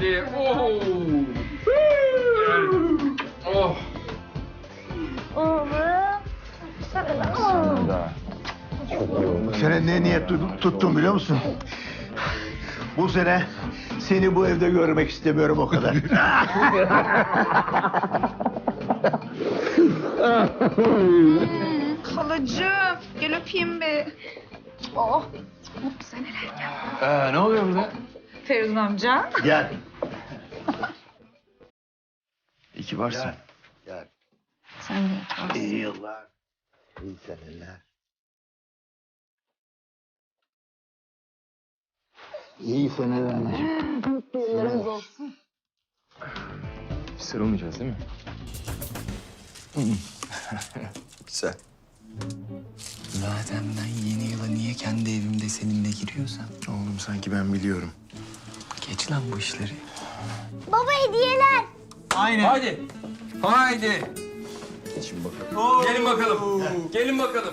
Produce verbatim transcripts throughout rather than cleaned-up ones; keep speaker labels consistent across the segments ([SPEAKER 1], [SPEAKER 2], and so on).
[SPEAKER 1] geldi. Oo. Oh.
[SPEAKER 2] Oğlum.
[SPEAKER 3] Bu sene ne niyet tut- tuttum biliyor musun? Bu sene seni bu evde görmek istemiyorum o kadar.
[SPEAKER 4] Halacığım gel öpeyim bir. Oh mutlu seneler ya.
[SPEAKER 1] Ee, ne oluyor burada?
[SPEAKER 4] Feridun amca.
[SPEAKER 3] Gel.
[SPEAKER 1] İyi ki varsın.
[SPEAKER 3] Gel.
[SPEAKER 4] Sen de.
[SPEAKER 3] İyi yıllar. İyi seneler. İyi seneler anacığım.
[SPEAKER 2] Mutlu yıllarınız olsun.
[SPEAKER 1] Sarılmayacağız değil mi?
[SPEAKER 5] Güzel. Zaten ben yeni yıla niye kendi evimde seninle giriyorsam...
[SPEAKER 1] Oğlum sanki ben biliyorum.
[SPEAKER 5] Geç lan bu işleri.
[SPEAKER 2] Baba hediyeler.
[SPEAKER 5] Aynen.
[SPEAKER 1] Haydi. Haydi.
[SPEAKER 5] Geçin bakalım.
[SPEAKER 1] Gelin bakalım. Gelin bakalım.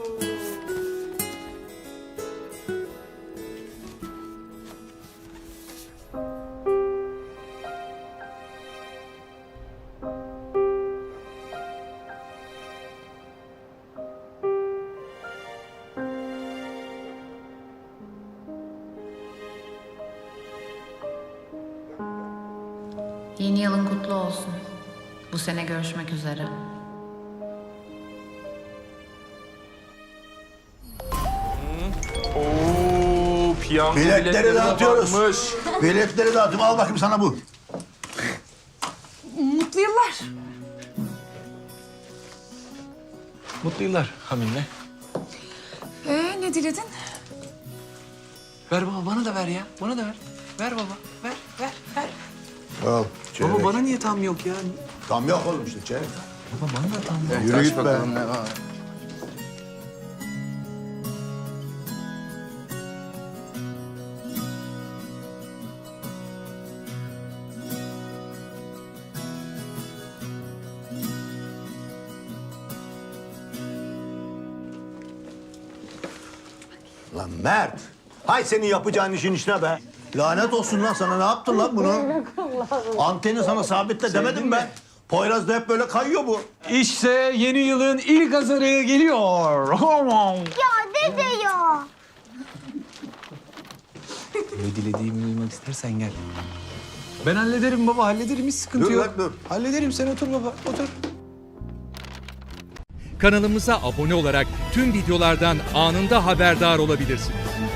[SPEAKER 6] Yeni yılın kutlu olsun. Bu sene görüşmek üzere.
[SPEAKER 1] Oo, piyango
[SPEAKER 3] Biletleri dağıtıyoruz.
[SPEAKER 1] batmış.
[SPEAKER 3] Biletleri dağıtım. Al bakayım sana bu.
[SPEAKER 4] Mutlu yıllar.
[SPEAKER 5] Mutlu yıllar Hamile.
[SPEAKER 4] Ee ne diledin?
[SPEAKER 5] Ver baba, bana da ver ya. Bana da ver. Ver baba, ver, ver, ver.
[SPEAKER 3] Al.
[SPEAKER 5] Baba bana niye tam yok ya?
[SPEAKER 3] Tam yok oğlum işte çeyrek.
[SPEAKER 5] Baba bana da tam yok.
[SPEAKER 3] Yürü
[SPEAKER 1] Kaç
[SPEAKER 3] git be.
[SPEAKER 1] bakalım ne var?
[SPEAKER 3] Lan Mert. Hay senin yapacağın işin işine be. Lanet olsun lan sana. Ne yaptın lan bunu? Anteni sana sabitle demedim ben. Poyraz'da hep böyle kayıyor bu.
[SPEAKER 5] İşte yeni yılın ilk azarı geliyor.
[SPEAKER 2] Ya dede ya.
[SPEAKER 5] Ne dilediğimi duymak istersen gel. Ben hallederim baba, hallederim. Hiç sıkıntı
[SPEAKER 3] Dur
[SPEAKER 5] yok.
[SPEAKER 3] lan, dur.
[SPEAKER 5] Hallederim, sen otur baba, otur.
[SPEAKER 7] Kanalımıza abone olarak tüm videolardan anında haberdar olabilirsiniz.